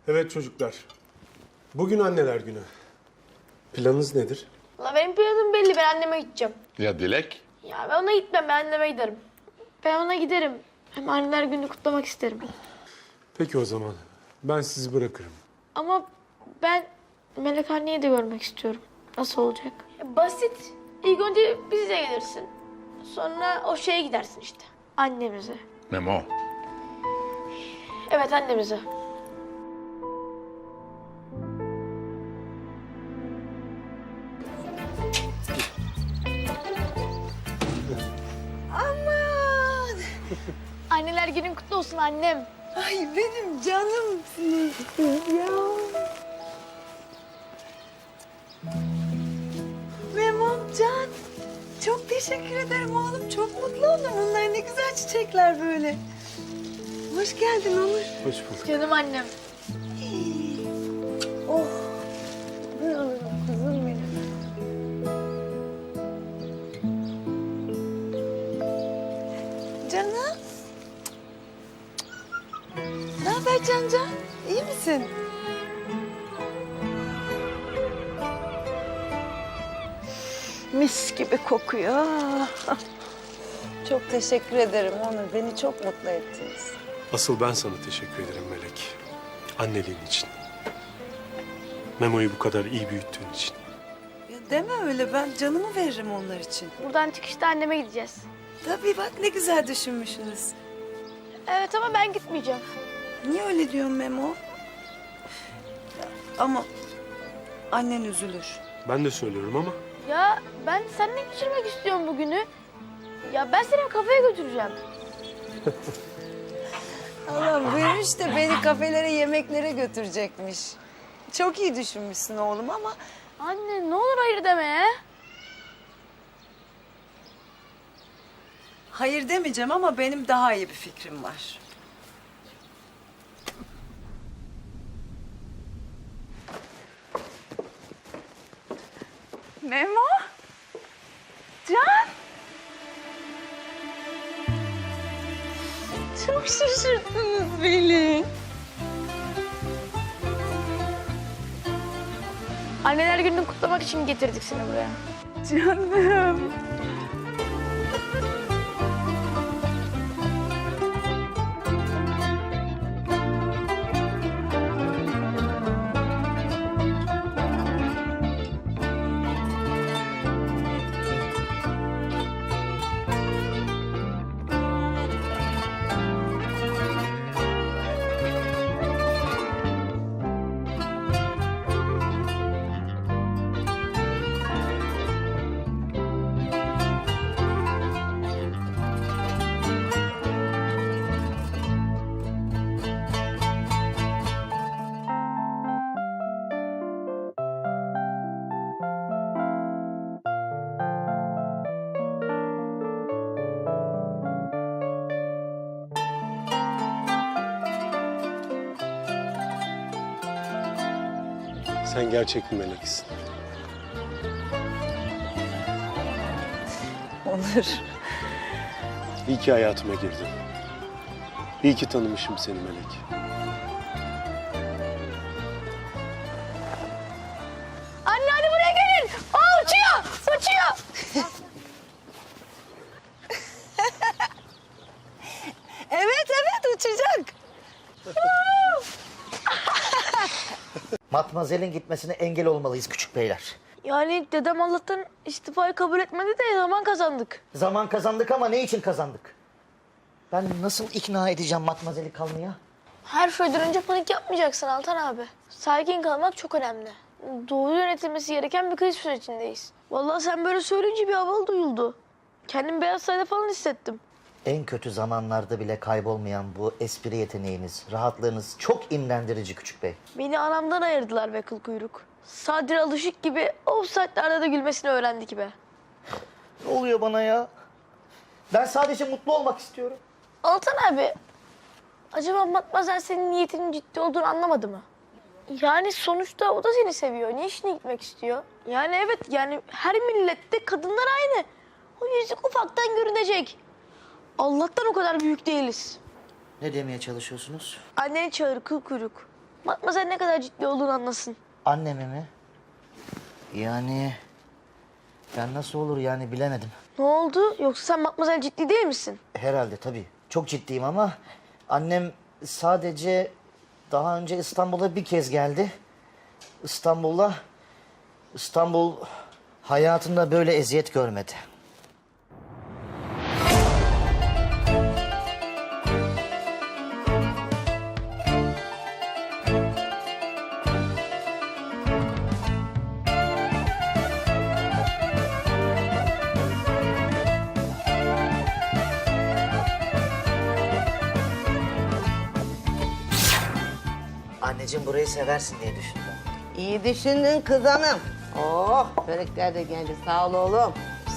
Evet çocuklar. Bugün anneler günü. Planınız nedir? La benim planım belli. Ben anneme gideceğim. Ya Dilek? Ya ben ona gitmem. Ben anneme giderim. Ben ona giderim. Hem anneler gününü kutlamak isterim. Peki o zaman. Ben sizi bırakırım. Ama ben Melek anneyi de görmek istiyorum. Nasıl olacak? Basit. İlk önce bize gelirsin. Sonra o şeye gidersin işte. Annemize. Memo. Evet annemize. Aman! Anneler günün kutlu olsun annem. Ay benim canımsın ya. Memomcan, çok teşekkür ederim oğlum. Çok mutlu oldum. Bunlar ne güzel çiçekler böyle. Hoş geldin Onur. Hoş bulduk. Canım annem. Oh. Kızım benim. Canım. Ne haber Cancan? İyi misin? Mis gibi kokuyor. Çok teşekkür ederim Onur. Beni çok mutlu ettiniz. Asıl ben sana teşekkür ederim Melek. Anneliğin için. Memo'yu bu kadar iyi büyüttüğün için. Ya deme öyle. Ben canımı veririm onlar için. Buradan çıkışta anneme gideceğiz. Tabii bak ne güzel düşünmüşsünüz. Evet ama ben gitmeyeceğim. Niye öyle diyorsun Memo? Ya, ama annen üzülür. Ben de söylüyorum ama Ya ben seninle geçirmek istiyorum bugünü. Ya ben seni kafeye götüreceğim. Allah vermiş de beni kafelere, yemeklere götürecekmiş. Çok iyi düşünmüşsün oğlum ama... Anne ne olur hayır deme ya. Hayır demeyeceğim ama benim daha iyi bir fikrim var. Memo? Can? Çok şaşırttınız beni. Anneler gününü kutlamak için getirdik seni buraya. Canım. sen gerçek bir meleksin. Onur. İyi ki hayatıma girdin. İyi ki tanımışım seni Melek. Anne hadi buraya gelin. Aa uçuyor. Uçuyor. Evet uçacak. Matmazel'in gitmesine engel olmalıyız küçük beyler. Yani dedem Allah'tan istifayı kabul etmedi de zaman kazandık. Zaman kazandık ama ne için kazandık? Ben nasıl ikna edeceğim Matmazel'i kalmaya? Her şeyden önce panik yapmayacaksın Altan abi. Sakin kalmak çok önemli. Doğru yönetilmesi gereken bir kriz sürecindeyiz. Vallahi sen böyle söyleyince bir havalı duyuldu. Kendimi Beyaz Saray'da falan hissettim. En kötü zamanlarda bile kaybolmayan bu espri yeteneğiniz, rahatlığınız çok imrendirici küçük bey. Beni anamdan ayırdılar be kıl kuyruk. Sadri Alışık gibi o saatlerde de gülmesini öğrendik be. Ne oluyor bana ya? Ben sadece mutlu olmak istiyorum. Altan abi, acaba Matmazel senin niyetinin ciddi olduğunu anlamadı mı? Yani sonuçta o da seni seviyor. Niye işine gitmek istiyor? Yani evet yani her millette kadınlar aynı. O yüzük ufaktan görünecek. Allah'tan o kadar büyük değiliz. Ne demeye çalışıyorsunuz? Anneni çağır kıl kuyruk. Matmazel ne kadar ciddi olduğunu anlasın. Annemi mi? Yani ben nasıl olur yani bilemedim. Ne oldu? Yoksa sen Matmazel ciddi değil misin? Herhalde tabii. Çok ciddiyim ama annem sadece daha önce İstanbul'a bir kez geldi. İstanbul hayatında böyle eziyet görmedi. Anneciğim burayı seversin diye düşündüm. İyi düşündün kız hanım. Oh, börekler de geldi. Sağ ol oğlum.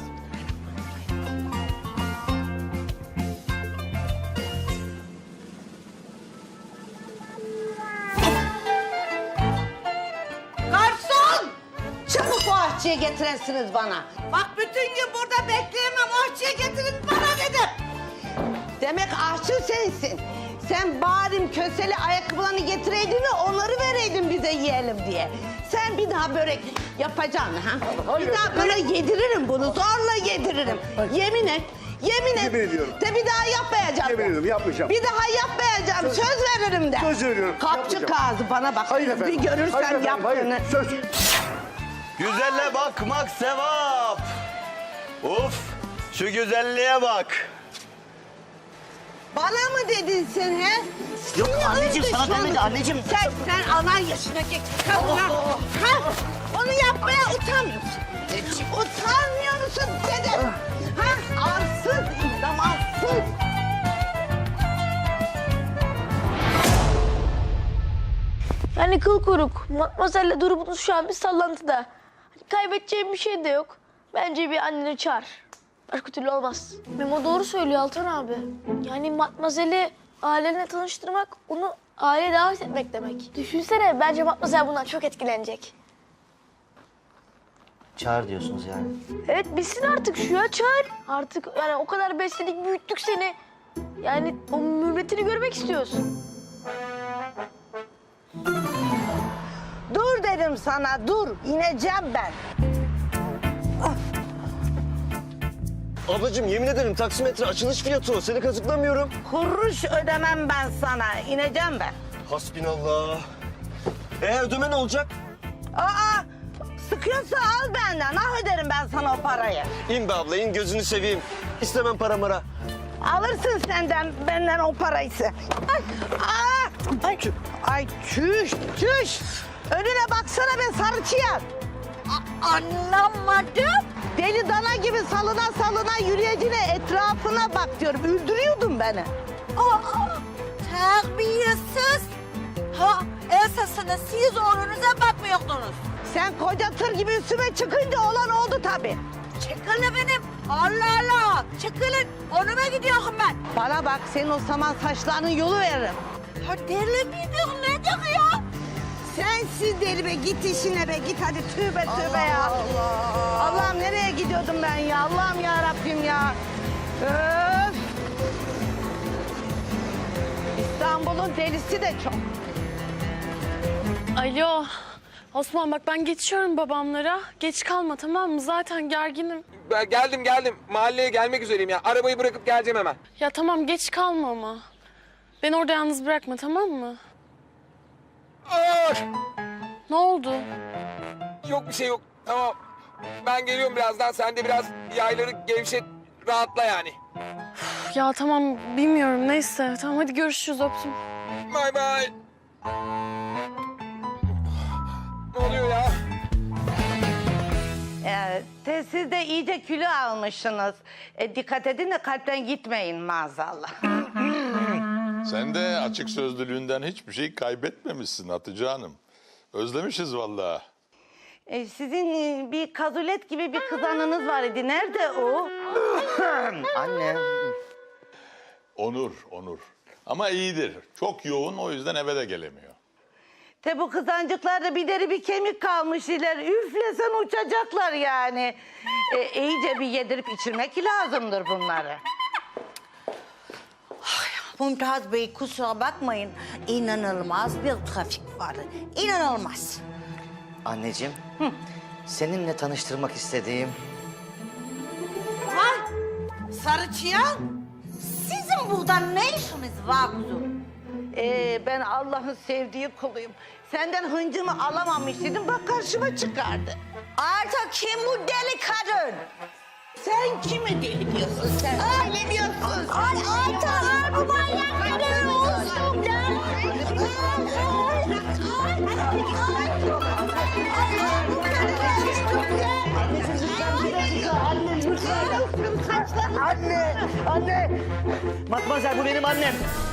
Garson! Çabuk o aşçıyı getirensiniz bana. Bak bütün gün burada bekleyemem. O aşçıyı getirin bana dedim. Demek aşçı sensin. Sen bari köseli ayakkabılarını getireydin de onları vereydin bize yiyelim diye. Sen bir daha börek yapacaksın ha? Bir daha bana yediririm bunu, zorla yediririm. Yemin et, yemin et. Yemin ediyorum. De bir daha yapmayacağım. Yemin ediyorum, yapmayacağım. Bir daha yapmayacağım, söz veririm de. Söz veriyorum, Kapçı yapmayacağım. kağıdı bana bak. Hayır efendim. Bir görürsen Hayır efendim, yaptığını. hayır. Söz. Güzelle bakmak sevap. Uf, şu güzelliğe bak. Bana mı dedin sen he? Yok Seni anneciğim, sana düşmanım. demedi, anneciğim. Sen anan yaşındaki kadına ha? Onu yapmaya utanmıyorsun. Utanmıyor musun dedim. Ha? Arsız, zamansız. Yani kıl kuyruk. Matmazel'le durumunuz şu an bir sallantıda. Hani kaybedeceğim bir şey de yok. Bence bir anneni çağır. Başka türlü olmaz. Memo doğru söylüyor Altan abi. Yani Matmazel'i ailenle tanıştırmak, onu aileye davet etmek demek. Düşünsene, bence Matmazel bundan çok etkilenecek. Çağır diyorsunuz yani. Evet, bilsin artık şu ya, çağır. Artık yani o kadar besledik, büyüttük seni. Yani o mürvetini görmek istiyoruz. Dur dedim sana, dur. İneceğim ben. Ablacığım yemin ederim taksimetre açılış fiyatı o. Seni kazıklamıyorum. Kuruş ödemem ben sana. İneceğim ben. Hasbinallah. Ödeme ne olacak? Aa, sıkıyorsa al benden. Ah öderim ben sana o parayı. İn be abla in gözünü seveyim. İstemem para mara. Alırsın benden o parayı. Ay, ay, ay çüş, çüş. Önüne baksana be sarı çıyan. Anlamadım. Deli dana gibi salına yürüyeceğine etrafına bak diyorum. Öldürüyordun beni. Terbiyesiz. Ha, esasında siz oğlunuza bakmıyordunuz. Sen koca tır gibi üstüme çıkınca olan oldu tabii. Çıkın efendim. Allah Allah. Çıkılın. Onuma gidiyorum ben. Bana bak senin o saman saçlarının yolu veririm. Ha, deli midir nedir ya? Sensiz deli be git işine be git hadi tövbe ya. Allah'ım nereye gidiyordum ben ya Allah'ım ya Rabbim ya. Öf. İstanbul'un delisi de çok. Alo. Osman bak ben geçiyorum babamlara. Geç kalma tamam mı? Zaten gerginim. Ben geldim. Mahalleye gelmek üzereyim ya. Arabayı bırakıp geleceğim hemen. Ya tamam geç kalma ama. Beni orada yalnız bırakma tamam mı? Aa! Ne oldu? Yok bir şey yok. Tamam. Ben geliyorum birazdan. Sen de biraz yayları gevşet, rahatla yani. Ya tamam bilmiyorum neyse. Tamam hadi görüşürüz öptüm. Bay bay. Ne oluyor ya? Siz de iyice kilo almışsınız. Dikkat edin de kalpten gitmeyin maazallah. Sen de açık sözlülüğünden hiçbir şey kaybetmemişsin Hatice Hanım. Özlemişiz vallahi. Sizin bir kazulet gibi bir kızanınız var idi. Nerede o? Anne. Onur. Ama iyidir. Çok yoğun o yüzden eve de gelemiyor. Bu kızancıklarda bir deri bir kemik kalmış iler. Üflesen uçacaklar yani. İyice bir yedirip içirmek lazımdır bunları. Ay Mümtaz Bey kusura bakmayın. İnanılmaz bir trafik var. İnanılmaz. Anneciğim, seninle tanıştırmak istediğim... Vay! Sarı çıyan! Sizin burada ne işiniz var kuzum? Ben Allah'ın sevdiği kuluyum. Senden hıncımı alamamış dedim, bak karşıma çıkardı. Artık kim bu deli kadın? Sen kimi deli diyorsun sen? Ne diyorsun? Artık bu manyakları olsun Anne! Matmazel bu benim annem.